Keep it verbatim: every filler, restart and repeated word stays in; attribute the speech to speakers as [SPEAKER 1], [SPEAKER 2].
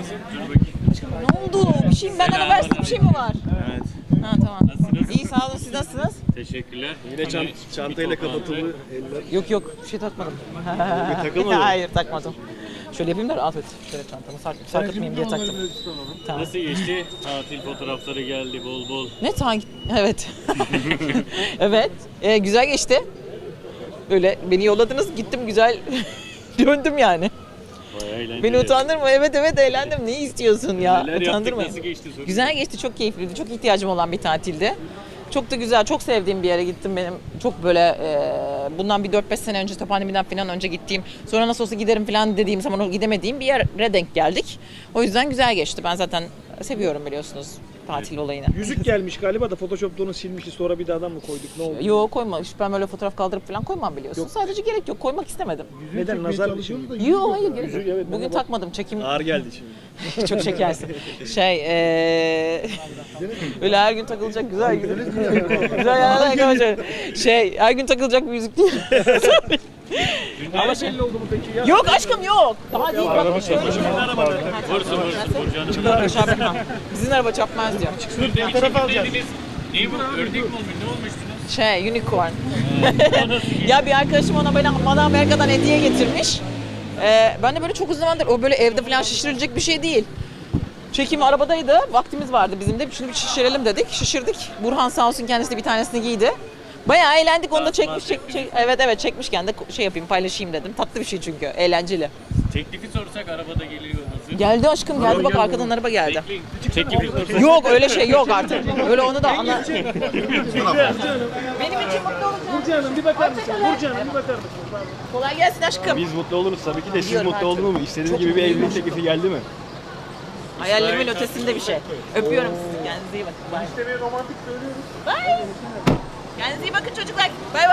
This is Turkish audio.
[SPEAKER 1] Dur bakayım.
[SPEAKER 2] Ne oldu? Bir şey mi? Benden habersiz bir şey mi var?
[SPEAKER 1] Evet.
[SPEAKER 2] Ha tamam.
[SPEAKER 1] Nasılsınız?
[SPEAKER 2] İyi sağ olun. Siz nasılsınız?
[SPEAKER 1] Teşekkürler.
[SPEAKER 3] Yine çant çantayla kapatıldı eller.
[SPEAKER 2] Yok yok. Bir şey takmadım.
[SPEAKER 3] takılmadın mı?
[SPEAKER 2] Hayır takmadım. Şöyle yapayım da Afet. Şöyle çantamı sark sarkıtmayayım diye taktım. Tamam.
[SPEAKER 1] Nasıl geçti? Tatil fotoğrafları geldi bol bol.
[SPEAKER 2] Ne tank? Evet. Evet. Ee, güzel geçti. Böyle beni yolladınız. Gittim güzel. Döndüm yani.
[SPEAKER 1] Bayağı eğlenceli.
[SPEAKER 2] Beni utandırma. Evet evet eğlendim. Ne istiyorsun ya?
[SPEAKER 1] Neler yaptık,
[SPEAKER 2] Utandırma.
[SPEAKER 1] nasıl geçti sonra?
[SPEAKER 2] Güzel geçti. Çok keyifliydi. Çok ihtiyacım olan bir tatildi. Çok da güzel. Çok sevdiğim bir yere gittim benim. Çok böyle e, bundan bir dört beş sene önce pandemiden falan önce gittiğim, sonra nasıl olsa giderim falan dediğim zaman o gidemediğim bir yere denk geldik. O yüzden güzel geçti. Ben zaten seviyorum biliyorsunuz tatil olayını.
[SPEAKER 3] Yüzük gelmiş galiba da Photoshop'ta onu silmişti, sonra bir daha mı koyduk, ne oldu?
[SPEAKER 2] Yok koyma. Ben böyle fotoğraf kaldırıp falan koymam biliyorsun.
[SPEAKER 3] Yok.
[SPEAKER 2] Sadece gerek yok. Koymak istemedim.
[SPEAKER 3] Neden, nazar bir şey mi?
[SPEAKER 2] Yok hayır gerek
[SPEAKER 3] Yüzük,
[SPEAKER 2] yok.
[SPEAKER 3] evet,
[SPEAKER 2] Bugün
[SPEAKER 3] bana bak.
[SPEAKER 2] takmadım. Çekim
[SPEAKER 3] Ağır geldi şimdi.
[SPEAKER 2] çok şekersin. Şey eee öyle her gün takılacak güzel güzel. güzel yerler kalacak. Şey her gün takılacak bir müzik değil.
[SPEAKER 3] Ama belli oldu mu peki ya?
[SPEAKER 2] Yok aşkım yok. Daha değil. Bak şöyle.
[SPEAKER 1] Vursun vursun vurcanım.
[SPEAKER 2] Çıkın aşağı bakma. Bizim araba çarpmaz diyor.
[SPEAKER 1] Dün de bir çekimdeydiniz. Ne bu? Ördek mi olmuş? Ne olmuştunuz?
[SPEAKER 2] Şey unicorn. Ya bir arkadaşım ona böyle bana Amerika'dan hediye getirmiş. Ee, ben de böyle çok uzun zamandır o böyle evde falan şişirilecek bir şey değil. Çekim arabadaydı. Vaktimiz vardı bizim de. Şunu bir şişirelim dedik. Şişirdik. Burhan sağ olsun kendisi de bir tanesini giydi. Bayağı eğlendik. Onu da çekmiş. Çek, çek, evet evet çekmişken de şey yapayım paylaşayım dedim. Tatlı bir şey çünkü. Eğlenceli.
[SPEAKER 1] Teklifi sorsak arabada geliyor nasıl?
[SPEAKER 2] Geldi aşkım geldi. Bak arkadan araba geldi.
[SPEAKER 1] Bekleyin. Teklifi sorsak.
[SPEAKER 2] Yok öyle şey yok artık. Öyle onu da anla. Benim için mutlu olacağım.
[SPEAKER 3] Burcu Hanım bir bakar mısın? Burcu Hanım bir bakar mısın?
[SPEAKER 2] Kolay gelsin aşkım.
[SPEAKER 3] Biz mutlu oluruz tabii ki de, siz
[SPEAKER 2] Biliyorum
[SPEAKER 3] mutlu
[SPEAKER 2] artık.
[SPEAKER 3] oldunuz mu? İstediğiniz
[SPEAKER 2] Çok
[SPEAKER 3] gibi bir
[SPEAKER 2] mutluyum.
[SPEAKER 3] evlilik teklifi geldi mi?
[SPEAKER 2] Hayallerimin ötesinde bir şey. Öpüyorum sizi. Kendinize iyi bakın. Bye.
[SPEAKER 3] İstemeye romantik söylüyoruz.
[SPEAKER 2] Bye. Kendinize iyi bakın çocuklar. Bay